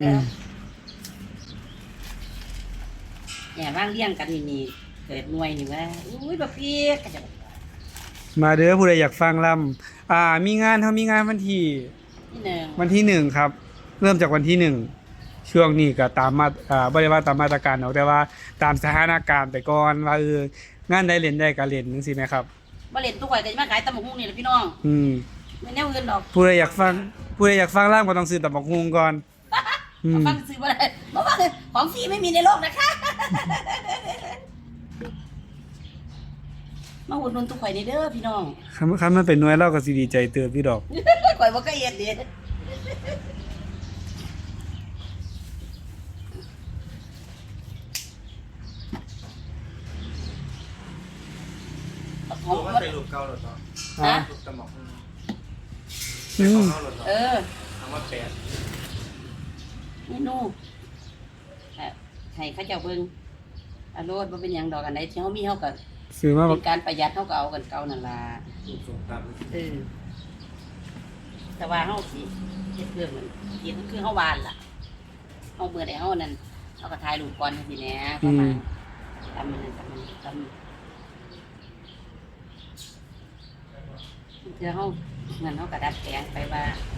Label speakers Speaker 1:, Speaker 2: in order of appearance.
Speaker 1: เนี่ยว่างเลี้ยงกันนี่เกิดหน่วยนี่ว่าอุ้ยบักพี่ก็จะ
Speaker 2: มาเด้อผู้ใดอยากฟังลำมีงานมีงานวันที่
Speaker 1: ที่หนึ่ง
Speaker 2: วันที่1ครับเริ่มจากวันที่1ช่วงนี้ก็ตามมาบ่ได้ว่าตามมาตรการหรอกแต่ว่าตามสถานการณ์ไปก่อนว่างานใดเล่นได้ก็เล่นจังซี่แหมครับ
Speaker 1: มาเล่นตู้ข่อยก็จะมาขายตำบักหุ่งนี่แหละพี่น้อง
Speaker 2: อืม
Speaker 1: ไม่แนวอื่นดอก
Speaker 2: ผู้ใดอยากฟังลำก็ต้องซื้อตำบักหุ่งก่อน
Speaker 1: มาฟังซื้อบ่ได้เพราะว่าของฟรีไม่มีในโลกนะคะมาอุดหนุนตู้ข่อยนี่เด้อพี่น้อง
Speaker 2: คันมันเป็นหน่วยเราก็สิดีใจเติบพี่ดอก
Speaker 1: ข่อยบ่เคยเฮ็ดเด้ของ
Speaker 3: มันเป็นรูปเก่าหรอเนาะ
Speaker 1: ฮะ
Speaker 3: รูปตะหมอก
Speaker 2: อืม
Speaker 3: เก่าหรอเนาะ
Speaker 1: เออ
Speaker 3: คำว่าแปด
Speaker 1: เมนูให้เขาเจ้าเบิ่งอารมณ์บ่เป็นหยังดอกอันใดที่เฮามีเฮาก็
Speaker 2: ซื้อมา
Speaker 1: เป็นการประหยัดเฮาก็เอากันเก่านั่นล่ะ
Speaker 3: รูปทรงตาม
Speaker 1: แต่ว่าเฮาสิเฮ็ดเรื่องมันเฮ็ดคือเฮาวานล่ะเฮาเบื่อได้เฮานั่นเฮาก็ถ่ายรูปก่อนจังซี่แหน่ประมาณทำมันทำเทื่อเฮางั้นเฮาก็ดัดแปลงไปว่า